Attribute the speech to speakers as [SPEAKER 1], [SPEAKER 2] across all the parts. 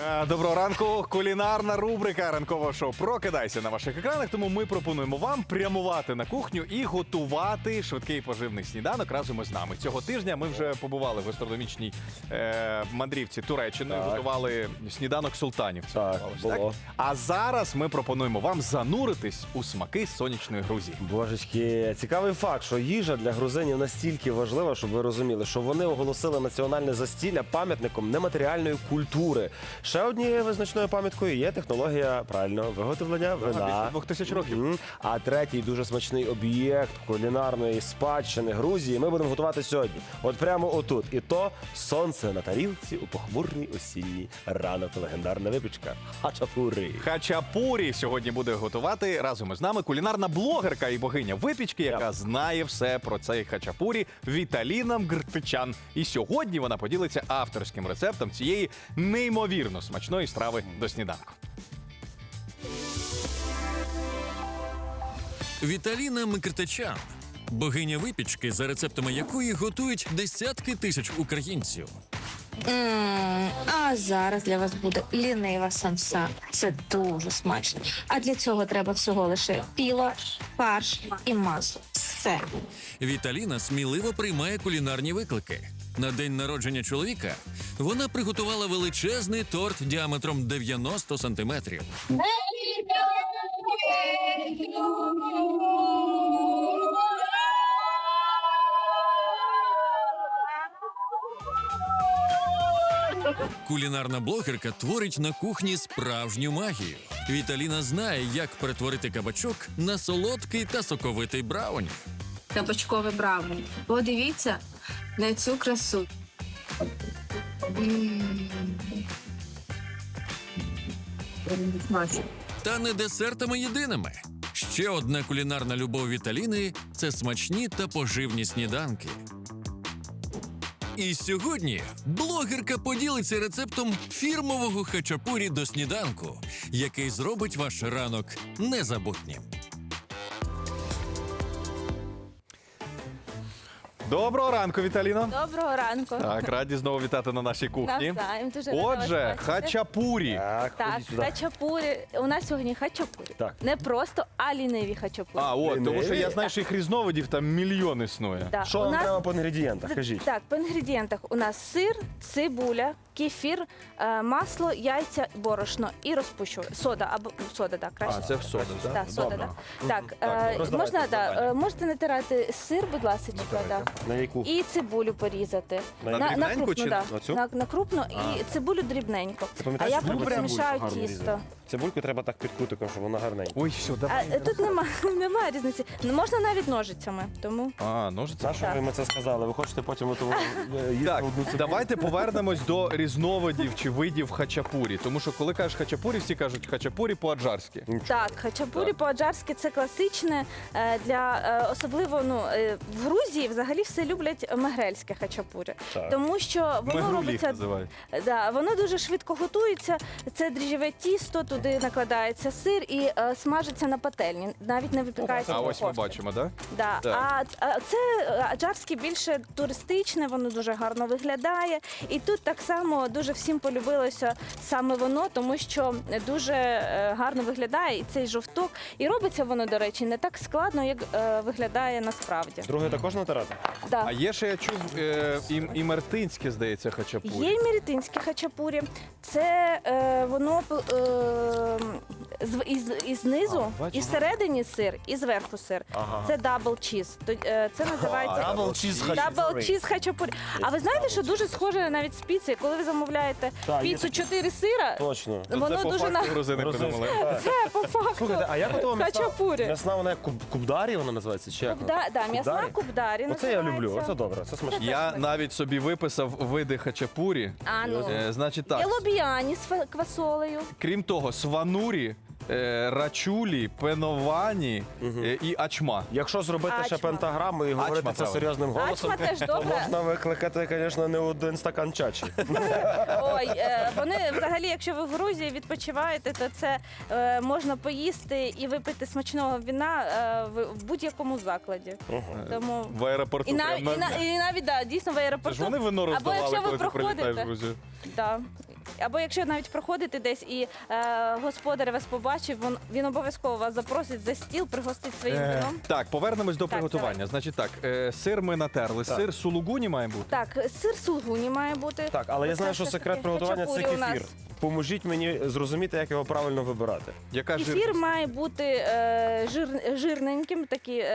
[SPEAKER 1] Доброго ранку. Кулінарна рубрика ранкового шоу «Прокидайся» на ваших екранах. Тому ми пропонуємо вам прямувати на кухню і готувати швидкий поживний сніданок разом із нами. Цього тижня ми вже побували в гастрономічній мандрівці Туреччиною, готували сніданок султанів.
[SPEAKER 2] Так, було.
[SPEAKER 1] А зараз ми пропонуємо вам зануритись у смаки сонячної Грузії.
[SPEAKER 2] Божечки, цікавий факт, що їжа для грузинів настільки важлива, щоб ви розуміли, що вони оголосили національне застілля пам'ятником нематеріальної культури. Ще однією визначною пам'яткою є технологія правильного виготовлення вина.
[SPEAKER 1] 2000 років.
[SPEAKER 2] А третій дуже смачний об'єкт кулінарної спадщини Грузії ми будемо готувати сьогодні. От прямо отут. І то сонце на тарілці у похмурний осінній ранок. Легендарна випічка хачапурі.
[SPEAKER 1] Хачапурі сьогодні буде готувати разом із нами кулінарна блогерка і богиня випічки, яка знає все про цей хачапурі, Віталіна Мгртичан. І сьогодні вона поділиться авторським рецептом цієї неймовірно смачної страви до сніданку.
[SPEAKER 3] Віталіна Микртичан – богиня випічки, за рецептами якої готують десятки тисяч українців.
[SPEAKER 4] А зараз для вас буде лінива самса. Це дуже смачно. А для цього треба всього лише піло, фарш і масло. Все.
[SPEAKER 3] Віталіна сміливо приймає кулінарні виклики. На день народження чоловіка вона приготувала величезний торт діаметром 90 сантиметрів. Кулінарна блогерка творить на кухні справжню магію. Віталіна знає, як перетворити кабачок на солодкий та соковитий брауні.
[SPEAKER 5] Кабачкове брауні. Подивіться на цю красу.
[SPEAKER 3] Та не десертами єдиними. Ще одна кулінарна любов Віталіни – це смачні та поживні сніданки. І сьогодні блогерка поділиться рецептом фірмового хачапурі до сніданку, який зробить ваш ранок незабутнім.
[SPEAKER 1] Доброго ранку, Віталіно.
[SPEAKER 6] Доброго ранку.
[SPEAKER 1] Так, раді знову вітати на нашій кухні.
[SPEAKER 6] Навзаєм, дуже рада вас
[SPEAKER 1] Отже,
[SPEAKER 6] бачити.
[SPEAKER 1] хачапурі.
[SPEAKER 2] Так,
[SPEAKER 6] Так,
[SPEAKER 2] ходіть сюди.
[SPEAKER 6] хачапурі. У нас сьогодні хачапурі.
[SPEAKER 2] Так.
[SPEAKER 6] Не просто, а ліниві хачапурі.
[SPEAKER 1] Тому що я
[SPEAKER 2] Ліниві?
[SPEAKER 1] знаю, що їх різновидів там мільйон існує.
[SPEAKER 6] Да.
[SPEAKER 2] Що
[SPEAKER 6] у
[SPEAKER 2] вам
[SPEAKER 6] нас...
[SPEAKER 2] треба по інгредієнтах? Кажіть.
[SPEAKER 6] Так, по інгредієнтах у нас сир, цибуля, кефір, масло, яйця, борошно і розпущувач. Сода, або сода, так, краще.
[SPEAKER 1] А, це в соду, так?
[SPEAKER 6] Так, сода,
[SPEAKER 2] Добре.
[SPEAKER 6] так.
[SPEAKER 2] Так, роздавайте
[SPEAKER 6] Можна,
[SPEAKER 2] завдання.
[SPEAKER 6] можете натирати сир, будь ласка, да.
[SPEAKER 2] На яку?
[SPEAKER 6] І цибулю порізати.
[SPEAKER 2] На
[SPEAKER 1] дрібненьку
[SPEAKER 6] крупну,
[SPEAKER 1] чи
[SPEAKER 6] да.
[SPEAKER 2] на цю?
[SPEAKER 6] На крупну і цибулю дрібненько.
[SPEAKER 2] Ти
[SPEAKER 6] А
[SPEAKER 2] пам'ятаєш,
[SPEAKER 6] я
[SPEAKER 2] цибульку
[SPEAKER 6] потім
[SPEAKER 2] треба
[SPEAKER 6] змішаю
[SPEAKER 2] гарно
[SPEAKER 6] тісто.
[SPEAKER 2] різати? Цибульку треба так під кутиком, щоб вона гарненька.
[SPEAKER 1] Ой, все, давай.
[SPEAKER 6] Тут немає різниці. Можна навіть ножицями, тому...
[SPEAKER 1] Ножиці.
[SPEAKER 2] На що ви ми це сказали? Ви хочете потім їсти
[SPEAKER 1] Так,
[SPEAKER 2] одну цибулю?
[SPEAKER 1] давайте повернемось до різновидів чи видів хачапурі. Тому що коли кажеш хачапурі, всі кажуть хачапурі по-аджарськи.
[SPEAKER 6] Так, хачапурі по-аджарськи це класичне для особливо в Грузії взагалі все люблять мегрельське хачапурі,
[SPEAKER 2] Так.
[SPEAKER 6] тому що воно
[SPEAKER 1] Мегрулі їх
[SPEAKER 6] робиться
[SPEAKER 1] називають.
[SPEAKER 6] да, воно дуже швидко готується. Це дріжджеве тісто, туди накладається сир і смажиться на пательні, навіть не випікається.
[SPEAKER 1] А
[SPEAKER 6] в
[SPEAKER 1] ось ми
[SPEAKER 6] духовці.
[SPEAKER 1] бачимо, так?
[SPEAKER 6] Да.
[SPEAKER 1] Так.
[SPEAKER 6] А це аджарське більше туристичне, воно дуже гарно виглядає. І тут так само дуже всім полюбилося саме воно, тому що дуже гарно виглядає і цей жовток. І робиться воно, до речі, не так складно, як виглядає насправді.
[SPEAKER 2] Друге також натирати?
[SPEAKER 6] Да.
[SPEAKER 1] А є ще, я чув, і мертинське, здається, хачапурі.
[SPEAKER 6] Є й мірітинське хачапурі. Це воно і знизу,
[SPEAKER 1] бачу.
[SPEAKER 6] і всередині сир, і зверху сир.
[SPEAKER 2] Ага.
[SPEAKER 6] Це дабл чіз. Це називається
[SPEAKER 2] Дабл чіз хачапурі.
[SPEAKER 6] дабл чіз хачапурі. А ви знаєте, що дуже схоже навіть з піцею? Коли ви замовляєте
[SPEAKER 2] Так, є
[SPEAKER 6] піцу
[SPEAKER 2] таке.
[SPEAKER 6] 4 сира,
[SPEAKER 2] Точно.
[SPEAKER 1] Це
[SPEAKER 6] воно
[SPEAKER 1] по
[SPEAKER 6] дуже
[SPEAKER 1] факту грузини придумали.
[SPEAKER 6] Це по факту.
[SPEAKER 2] Слухайте, а як готова м'ясна?
[SPEAKER 6] Хачапурі.
[SPEAKER 2] М'ясна вона як кубдарі вона називається? Чи як?
[SPEAKER 6] М'ясна
[SPEAKER 2] Кубдарі?
[SPEAKER 6] кубдарі.
[SPEAKER 2] Оце я люблю,
[SPEAKER 6] називається.
[SPEAKER 2] оце добре, це смачно.
[SPEAKER 1] Я навіть собі виписав види хачапурі. Значить так,
[SPEAKER 6] Є лобіані з квасолею.
[SPEAKER 1] крім того, сванурі, рачулі, пеновані і ачма.
[SPEAKER 2] Якщо зробити ще
[SPEAKER 6] Ачма.
[SPEAKER 2] пентаграму і говорити це
[SPEAKER 1] правильно.
[SPEAKER 2] серйозним голосом,
[SPEAKER 6] Ачма теж
[SPEAKER 2] то
[SPEAKER 6] добре.
[SPEAKER 2] можна викликати, звісно, не один стакан чачі.
[SPEAKER 6] Ой, вони взагалі, якщо ви в Грузії відпочиваєте, то це можна поїсти і випити смачного віна в будь-якому закладі. Тому
[SPEAKER 1] В аеропорту.
[SPEAKER 6] і
[SPEAKER 1] прям на-
[SPEAKER 6] навіть дійсно в
[SPEAKER 1] Це
[SPEAKER 6] аеропорту.
[SPEAKER 1] ж вони вино
[SPEAKER 6] Або
[SPEAKER 1] роздавали,
[SPEAKER 6] якщо ви
[SPEAKER 1] коли ти прилітаєш в
[SPEAKER 6] проходите.
[SPEAKER 1] Грузію.
[SPEAKER 6] Да. Або якщо навіть проходите десь і господар вас побачив, він обов'язково вас запросить за стіл, пригостить своїм вином.
[SPEAKER 1] Так, повернемось до
[SPEAKER 6] Так,
[SPEAKER 1] приготування.
[SPEAKER 6] давай.
[SPEAKER 1] Значить так, сир ми натерли.
[SPEAKER 2] Так.
[SPEAKER 1] Сир сулугуні має бути?
[SPEAKER 6] Так, сир сулгуні має бути.
[SPEAKER 2] Так, але я
[SPEAKER 6] Оце
[SPEAKER 2] знаю, що
[SPEAKER 6] все
[SPEAKER 2] секрет
[SPEAKER 6] таки
[SPEAKER 2] приготування це
[SPEAKER 6] хачапурі у нас.
[SPEAKER 2] кефір. Поможіть мені зрозуміти, як його правильно вибирати.
[SPEAKER 1] Яка
[SPEAKER 6] Кефір має бути жирненьким.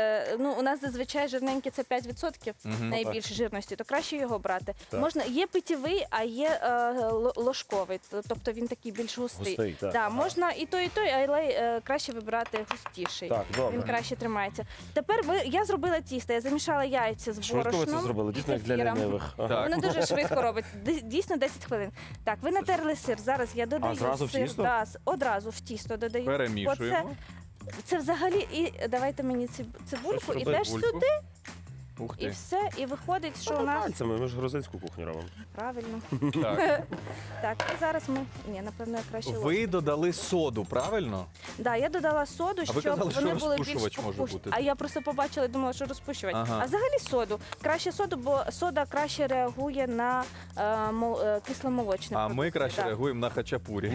[SPEAKER 6] У нас зазвичай жирненькі це 5% найбільше жирності, то краще його брати.
[SPEAKER 2] Так.
[SPEAKER 6] Можна, є питєвий, а є ложковий, тобто він такий більш густий.
[SPEAKER 2] Густий, так.
[SPEAKER 6] Да, можна і той, але краще вибирати густіший.
[SPEAKER 2] Так, добре.
[SPEAKER 6] Він краще тримається. Тепер я зробила тісто, я замішала яйця з
[SPEAKER 2] Швидко ви
[SPEAKER 6] борошном.
[SPEAKER 2] це зробили,
[SPEAKER 6] і
[SPEAKER 2] дійсно, як для
[SPEAKER 6] кефіром.
[SPEAKER 2] лінивих. Ага.
[SPEAKER 1] Так.
[SPEAKER 6] Вони дуже швидко роблять. Дійсно 10 хвилин. Так, ви натерли сир. Зараз я додаю
[SPEAKER 2] зразу в
[SPEAKER 6] сир.
[SPEAKER 2] тісто?
[SPEAKER 6] Да, одразу в тісто додаю.
[SPEAKER 1] Перемішуємо.
[SPEAKER 6] Це взагалі, і давайте мені цибульку,
[SPEAKER 2] Що ж
[SPEAKER 6] і
[SPEAKER 2] робити?
[SPEAKER 6] теж
[SPEAKER 1] Цибульку.
[SPEAKER 6] сюди,
[SPEAKER 1] Ух
[SPEAKER 6] і
[SPEAKER 1] ти.
[SPEAKER 6] все. І виходить, що у нас
[SPEAKER 2] Пальцями, ми ж грузинську кухню робимо.
[SPEAKER 6] правильно.
[SPEAKER 1] Так.
[SPEAKER 6] Так, і зараз ми. Ні, напевно, я краще ложку.
[SPEAKER 1] Ви додали соду, правильно?
[SPEAKER 6] Да, я додала соду,
[SPEAKER 1] А
[SPEAKER 6] щоб
[SPEAKER 1] ви казали, що
[SPEAKER 6] вони були більш
[SPEAKER 1] розпушувач може
[SPEAKER 6] пухкі.
[SPEAKER 1] бути.
[SPEAKER 6] А я просто побачила і думала, що розпушувач.
[SPEAKER 1] Ага.
[SPEAKER 6] А взагалі соду. Краще соду, бо сода краще реагує на кисломолочне.
[SPEAKER 1] А ми краще реагуємо на хачапурі.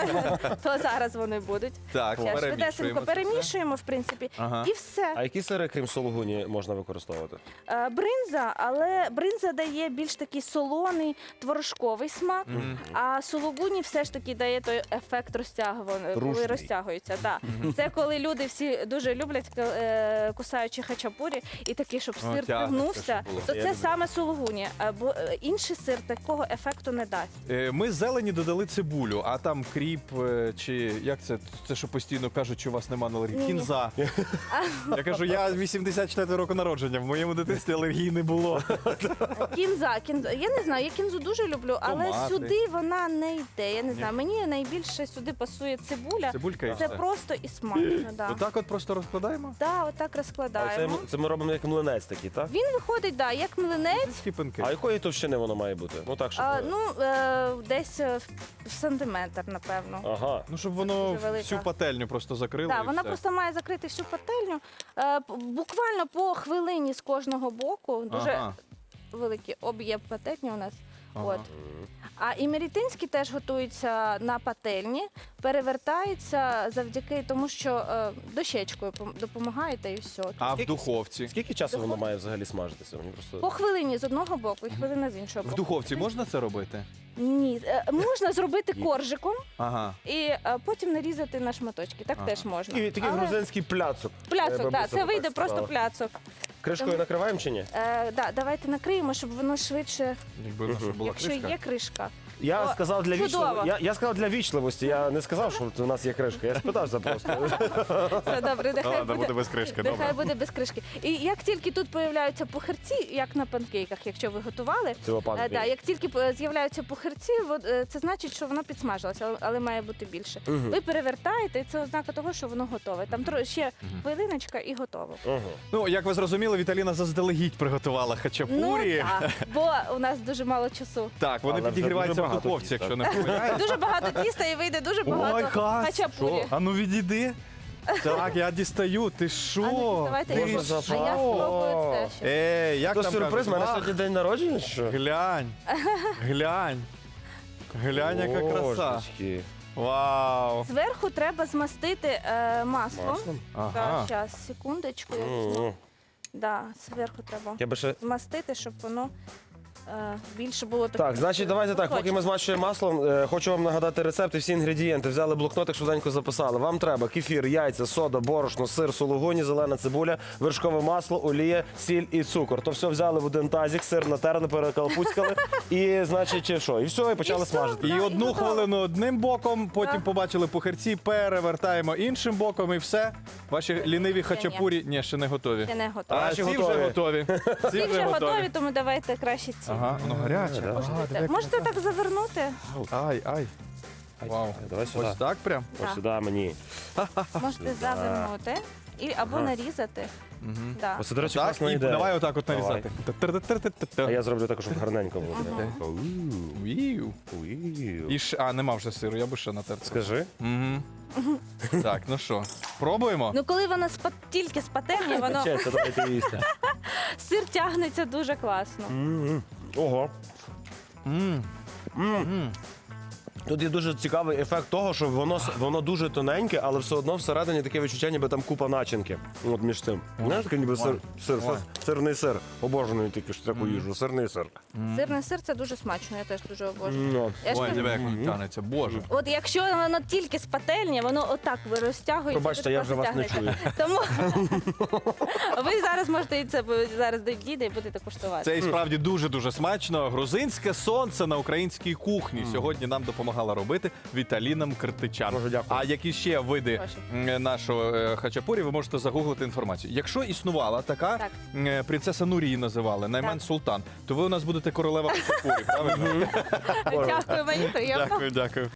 [SPEAKER 6] То зараз вони будуть.
[SPEAKER 1] Так,
[SPEAKER 6] Зараз швидесенько
[SPEAKER 1] перемішуємо. це все.
[SPEAKER 6] перемішуємо, в принципі,
[SPEAKER 1] Ага.
[SPEAKER 6] і все.
[SPEAKER 2] А які сири, крім сулугуні, можна використовувати?
[SPEAKER 6] Бринза, але бринза дає більш такий солоний, творожковий смак, а сулугуні все ж таки дає той ефект розтягування, коли
[SPEAKER 2] Рушний.
[SPEAKER 6] розтягується. Да. Це коли люди всі дуже люблять кусаючи хачапурі, і такий, щоб
[SPEAKER 1] О,
[SPEAKER 6] сир
[SPEAKER 1] тягнеться,
[SPEAKER 6] тягнувся,
[SPEAKER 1] щоб було.
[SPEAKER 6] то
[SPEAKER 2] Я
[SPEAKER 6] це
[SPEAKER 2] люблю.
[SPEAKER 6] саме сулугуні. Бо інший сир такого ефекту не дасть.
[SPEAKER 1] Ми з зелені додали цибулю, а там кріп чи як це? Це що постійно кажуть, що у вас нема алергії?
[SPEAKER 6] Ні-ні.
[SPEAKER 1] Кінза. Я кажу, я 84 року народження, в моєму дитинстві алергії не було.
[SPEAKER 6] Кінза. Я не знаю, я кінзу дуже люблю, але
[SPEAKER 1] Томати.
[SPEAKER 6] сюди вона не йде. Я не знаю. Мені найбільше сюди пасує цибуля.
[SPEAKER 1] Цибулька і
[SPEAKER 6] Це
[SPEAKER 1] все.
[SPEAKER 6] просто і смачно. Да.
[SPEAKER 1] Отак от просто розкладаємо?
[SPEAKER 6] Да, отак
[SPEAKER 2] А це,
[SPEAKER 6] розкладаємо.
[SPEAKER 2] це ми робимо як млинець такий, так?
[SPEAKER 6] Він виходить, да, як млинець.
[SPEAKER 1] Скіпинки.
[SPEAKER 2] А якої товщини воно має бути? Ну так, щоб...
[SPEAKER 6] Десь в сантиметр, напевно.
[SPEAKER 2] Ага.
[SPEAKER 1] Ну, щоб воно
[SPEAKER 6] Дуже велика.
[SPEAKER 1] всю пательню просто закрило.
[SPEAKER 6] Да,
[SPEAKER 1] і
[SPEAKER 6] вона
[SPEAKER 1] все.
[SPEAKER 6] просто має закрити всю пательню. Буквально по хвилині з кожного боку. Дуже
[SPEAKER 1] Ага.
[SPEAKER 6] великий об'єм пательні у нас.
[SPEAKER 1] Ага.
[SPEAKER 6] От. А імерітинський теж готується на пательні, перевертається завдяки тому, що дощечкою допомагаєте і все.
[SPEAKER 1] А в
[SPEAKER 2] Скільки-
[SPEAKER 1] духовці?
[SPEAKER 2] Скільки часу воно має взагалі смажитися? Мені просто...
[SPEAKER 6] По хвилині з одного боку і хвилина з іншого
[SPEAKER 1] В
[SPEAKER 6] боку.
[SPEAKER 1] духовці можна це робити?
[SPEAKER 6] Ні, можна зробити коржиком
[SPEAKER 1] Ага.
[SPEAKER 6] і потім нарізати на шматочки. Так
[SPEAKER 1] Ага.
[SPEAKER 6] теж можна.
[SPEAKER 2] Такий
[SPEAKER 6] Але
[SPEAKER 2] грузинський пляцок.
[SPEAKER 6] Пляцок,
[SPEAKER 2] Бабуся
[SPEAKER 6] так, це
[SPEAKER 2] так
[SPEAKER 6] вийде
[SPEAKER 2] сказала.
[SPEAKER 6] просто пляцок.
[SPEAKER 2] Кришкою накриваємо чи ні?
[SPEAKER 6] Да, давайте накриємо, щоб воно швидше,
[SPEAKER 1] Якби в нас була
[SPEAKER 6] якщо
[SPEAKER 1] кришка.
[SPEAKER 6] є кришка.
[SPEAKER 2] Я
[SPEAKER 6] О,
[SPEAKER 2] сказав для
[SPEAKER 6] чудово.
[SPEAKER 2] вічливості. Я сказав для вічливості. Я не сказав, що у нас є кришка. Я спитався просто.
[SPEAKER 6] Все добре, нехай
[SPEAKER 1] Ладно, буде без кришки,
[SPEAKER 6] нехай
[SPEAKER 1] добре.
[SPEAKER 6] буде без кришки. І як тільки тут появляються пухирці, як на панкейках, якщо ви готували,
[SPEAKER 2] Цього панкейк.
[SPEAKER 6] да, як тільки з'являються пухирці, це значить, що воно підсмажилося, але має бути більше. Ви перевертаєте, і це ознака того, що воно готове. Там ще хвилиночка і готово.
[SPEAKER 1] Ну, як ви зрозуміли, Віталіна заздалегідь приготувала хачапурі.
[SPEAKER 6] Ну так, бо у нас дуже мало часу.
[SPEAKER 1] Так, вони
[SPEAKER 2] Але вже
[SPEAKER 1] підігріваються
[SPEAKER 2] дуже
[SPEAKER 1] в
[SPEAKER 2] багато
[SPEAKER 1] духовці,
[SPEAKER 2] тіста.
[SPEAKER 1] якщо не помиляюсь.
[SPEAKER 6] Дуже багато тіста і вийде дуже багато
[SPEAKER 1] Ой, Хас,
[SPEAKER 6] хачапурі.
[SPEAKER 1] що? А ну відійди. Так, я дістаю. Ти
[SPEAKER 6] А
[SPEAKER 1] що?
[SPEAKER 6] ну, давайте
[SPEAKER 1] Ти
[SPEAKER 6] я
[SPEAKER 2] Можна
[SPEAKER 6] спробую.
[SPEAKER 1] що?
[SPEAKER 6] А я спробую це ще.
[SPEAKER 1] Як
[SPEAKER 2] То
[SPEAKER 1] там
[SPEAKER 2] сюрприз,
[SPEAKER 1] кажуть?
[SPEAKER 2] в мене
[SPEAKER 1] Ах,
[SPEAKER 2] сьогодні день народження, чи що?
[SPEAKER 1] Глянь. Глянь. Глянь, яка краса.
[SPEAKER 2] Божечки.
[SPEAKER 1] Вау.
[SPEAKER 6] Зверху треба змастити маслом.
[SPEAKER 2] Маслом?
[SPEAKER 1] Ага.
[SPEAKER 6] Так, зараз, секундочку. Я візьму. Да, зверху треба
[SPEAKER 2] Я би ще...
[SPEAKER 6] змастити, щоб воно більше було таке.
[SPEAKER 2] Так, значить, давайте так, поки ми змащуємо маслом, хочу вам нагадати рецепт і всі інгредієнти. Взяли блокнотик, швиденько записали. Вам треба кефір, яйця, сода, борошно, сир, сулугуні, зелена цибуля, вершкове масло, олія, сіль і цукор. То все взяли в один тазик, сир натерли, перекалпуцькали і, значить, що? І все, і почали
[SPEAKER 6] все.
[SPEAKER 2] смажити.
[SPEAKER 1] І
[SPEAKER 6] Да,
[SPEAKER 1] одну
[SPEAKER 6] і готово.
[SPEAKER 1] хвилину одним боком, потім
[SPEAKER 6] Так.
[SPEAKER 1] побачили пухарці, перевертаємо іншим боком і все. Ваші ліниві хачапурі, ні, ще не готові.
[SPEAKER 6] Я не готова.
[SPEAKER 1] А
[SPEAKER 2] Наші
[SPEAKER 1] ці
[SPEAKER 2] готові.
[SPEAKER 1] вже готові.
[SPEAKER 6] Ці вже готові, тому давайте краще ці.
[SPEAKER 1] Ага, воно гаряче.
[SPEAKER 6] Можете, можете так завернути?
[SPEAKER 1] Ай, ай. Вау.
[SPEAKER 2] Давай сюди.
[SPEAKER 1] Ось так прям?
[SPEAKER 2] Ось сюди мені.
[SPEAKER 6] Можете завернути або нарізати. Да.
[SPEAKER 2] Ось, до речі,
[SPEAKER 1] Так,
[SPEAKER 2] класна
[SPEAKER 1] і
[SPEAKER 2] ідея.
[SPEAKER 1] давай отак от
[SPEAKER 2] Давай.
[SPEAKER 1] нарізати.
[SPEAKER 2] А я зроблю також, щоб гарненько було.
[SPEAKER 1] Вію.
[SPEAKER 2] Ууу.
[SPEAKER 1] І а, нема вже сиру, я би ще натер.
[SPEAKER 2] Скажи.
[SPEAKER 1] Угу. Так, ну що, пробуємо?
[SPEAKER 6] Ну коли воно тільки з пательні, воно
[SPEAKER 2] Чесно, давайте їсти.
[SPEAKER 6] сир тягнеться дуже класно.
[SPEAKER 2] Ого.
[SPEAKER 1] М.
[SPEAKER 2] Тут є дуже цікавий ефект того, що воно дуже тоненьке, але все одно всередині таке відчуття, ніби там купа начинки. От між тим. Знаєш, таке ніби сирний сир. Обожнюю тільки ж таку їжу. Сирний сир.
[SPEAKER 6] Сирний сир це дуже смачно, я теж дуже обожнюю.
[SPEAKER 2] Ну.
[SPEAKER 6] Я ж
[SPEAKER 1] Ой,
[SPEAKER 6] кажу,
[SPEAKER 1] диви, як воно тянеться, боже.
[SPEAKER 6] от якщо воно тільки з пательні, воно отак розтягується.
[SPEAKER 2] Пробачте,
[SPEAKER 6] дуже
[SPEAKER 2] я вже
[SPEAKER 6] класно
[SPEAKER 2] вас не
[SPEAKER 6] тягнеться. Тому ви зараз можете і це зараз дійде і будете куштувати.
[SPEAKER 1] Це і справді дуже-дуже смачно. Грузинське сонце на українській кухні сьогодні нам допомагала робити Віталіна Мкртичан.
[SPEAKER 2] Дуже дякую.
[SPEAKER 1] А які ще види нашого хачапурі, ви можете загуглити інформацію. Якщо існувала така,
[SPEAKER 6] Так.
[SPEAKER 1] принцеса Нурії називали, Найман
[SPEAKER 6] Так.
[SPEAKER 1] Султан, то ви у нас будете королева хачапурі, правильно?
[SPEAKER 6] Дякую, мені приємно.
[SPEAKER 1] Дякую, дякую.